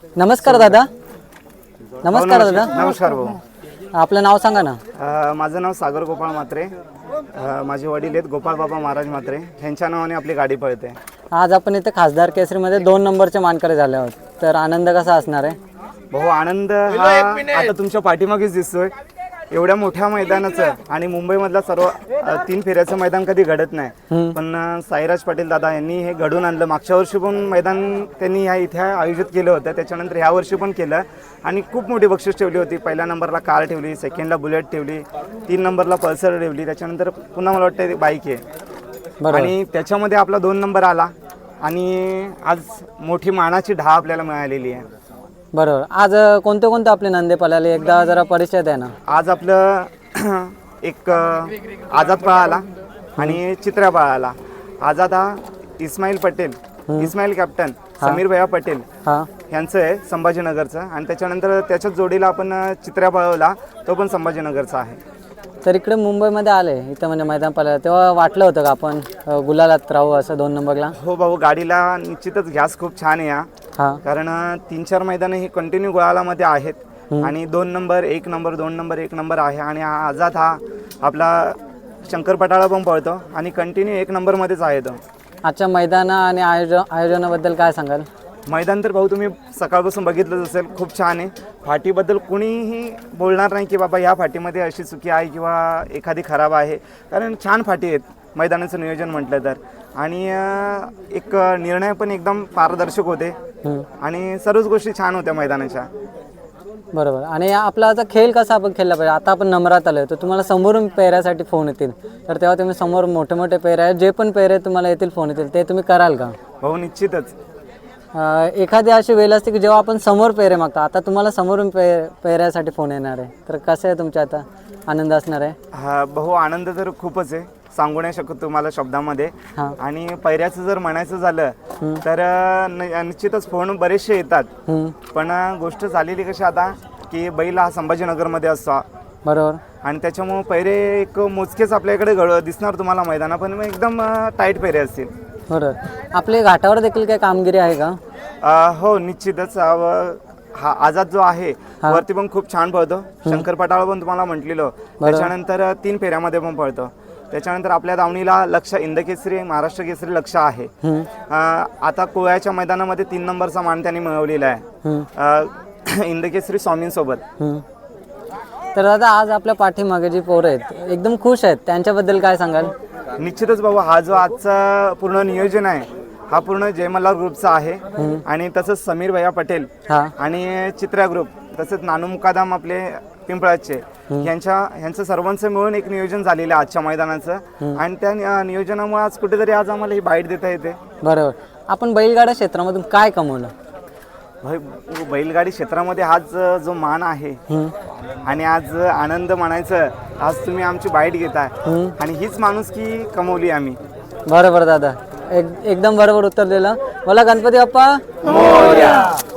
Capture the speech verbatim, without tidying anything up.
नमस्कार दादा. नमस्कार दादा. नमस्कार भाऊ. आपलं नाव सांगा ना. अ, माझं नाव सागर गोपाळ म्हात्रे. अ, माझे वडील आहेत गोपाळ बाबा महाराज म्हात्रे. ह्यांच्या नावाने आपली गाडी पळते. आज आपण इथे खासदार केसरीमध्ये दोन नंबरचे मानकरी झाले आहोत, तर आनंद कसा असणार आहे? भाऊ आनंद हा आता तुमच्या पाठीमागेच दिसतोय. एवढ्या मोठ्या मैदानाचं आणि मुंबईमधला सर्व अ, तीन फेऱ्याचं मैदान कधी घडत नाही, पण अ, साईराज पाटील दादा यांनी हे घडून आणलं. मागच्या वर्षी पण मैदान त्यांनी ह्या इथे आयोजित केलं होतं, त्याच्यानंतर ह्या वर्षी पण केलं आणि खूप मोठी बक्षीस ठेवली होती. पहिल्या नंबरला कार ठेवली, सेकंडला बुलेट ठेवली, तीन नंबरला पल्सर ठेवली, त्याच्यानंतर पुन्हा मला वाटतं बाईक आहे आणि त्याच्यामध्ये आपला दोन नंबर आला आणि आज मोठी मानाची ढा आपल्याला मिळालेली आहे. बरोबर. आज कोणते कोणते आपले नंदे पळाले एकदा जरा परिचय द्या ना. आज आपलं एक आझाद पळाला आणि चित्र्या पळाला. आझाद हा इस्माईल पटेल, इस्माईल कॅप्टन समीर भैया पटेल हां यांचं आहे संभाजीनगरचं, आणि त्याच्यानंतर त्याच्याच जोडीला आपण चित्र्या पळवला, तो पण संभाजीनगरचा आहे. तर इकडे मुंबईमध्ये आले इथं म्हणजे मैदान पळायला, तेव्हा वाटलं होतं का आपण अ, गुलालात राहू असं दोन नंबरला? हो भाऊ, गाडीला निश्चितच गॅस खूप छान आहे या, हां कारण तीन चार मैदानं ही कंटिन्यू गुलालामध्ये आहेत आणि दोन नंबर एक नंबर दोन नंबर एक नंबर आहे. आणि हा आझाद हा आपला शंकर पटाळा पण पळतो आणि कंटिन्यू एक नंबरमध्येच आहे तो. आजच्या मैदाना आणि आयोजन आयोजनाबद्दल काय सांगाल? मैदान तर भाऊ तुम्ही सकाळपासून बघितलंच असेल, खूप छान आहे. फाटीबद्दल कुणीही बोलणार नाही की बाबा ह्या फाटीमध्ये अशी चुकी आहे किंवा एखादी खराब आहे, कारण छान फाटी आहेत मैदानाचं नियोजन म्हटलं तर. आणि अं, एक निर्णय पण एकदम पारदर्शक होते आणि सर्वच गोष्टी छान होत्या मैदानाच्या. बरोबर. आणि आपला आता खेळ कसा आपण खेळला पाहिजे? आता आपण नंबरात आलो तर तुम्हाला समोरून पेऱ्यासाठी फोन येतील, तर तेव्हा तुम्ही समोर मोठे मोठे पेरे आहेत, जे पण पेरे तुम्हाला येतील फोन येतील, ते तुम्ही कराल का? भाऊ निश्चितच. अ, एखादी अशी वेळ असते की जेव्हा आपण समोर पेरे मागतो, आता तुम्हाला समोरून पे पेऱ्यासाठी फोन येणार आहे, तर कसं आहे तुमच्या आता आनंद असणार आहे? हा भाऊ, आनंद तर खूपच आहे, सांगू नाही शकत तुम्हाला शब्दामध्ये. हां आणि पैऱ्याचं जर म्हणायचं झालं तर न- निश्चितच फोन बरेचसे येतात, पण गोष्ट झालेली कशी आता की बैल हा संभाजीनगरमध्ये असतो बरोबर. आणि त्याच्यामुळं पैरे एक मोजकेच आपल्याकडे घड दिसणार तुम्हाला मैदाना, पण एकदम टाईट पैरे असतील. बरोबर. आपले घाटावर देखील काही कामगिरी आहे का? अ, हो निश्चितच. अ, हा आझाद जो आहे वरती पण खूप छान पळतो. शंकर पटाळा पण तुम्हाला म्हटलेलं, त्याच्यानंतर तीन फेऱ्यामध्ये पण पळतो. त्याच्यानंतर आपल्या दावणीला लक्ष इंदकेसरी महाराष्ट्र केसरी लक्ष आहे. अ, आता कोळ्याच्या मैदानामध्ये तीन नंबरचा मान त्यांनी मिळवलेला आहे अ, इंदकेसरी स्वामींसोबत. तर दादा आज आपल्या पाठीमागे जी पोरं आहेत एकदम खुश आहेत, त्यांच्याबद्दल काय सांगाल? निश्चितच बाबा, हा जो आजचा पूर्ण नियोजन आहे हा पूर्ण जयमल्ला ग्रुपचा आहे आणि तसंच समीर भैया पटेल हां आणि चित्रा ग्रुप, तसंच नानू मुकादम आपले पिंपळाचे, यांच्या ह्यांचं सर्वांचं मिळून एक नियोजन झालेलं आहे आजच्या मैदानाचं. आणि त्या नि- नियोजनामुळे आज कुठेतरी आज आम्हाला ही बाईट देता येते. बरोबर. आपण बैलगाडा क्षेत्रामधून काय कमवलं? भाई, बैलगाडी क्षेत्रामध्ये आज जो मान आहे आणि आज आनंद म्हणायचं, आज तुम्ही आमची बाईट घेताय आणि हीच माणुसकी कमवली आम्ही. बरोबर दादा, एक एकदम बरोबर उत्तर दिलं. मला गणपती बाप्पा मोरया.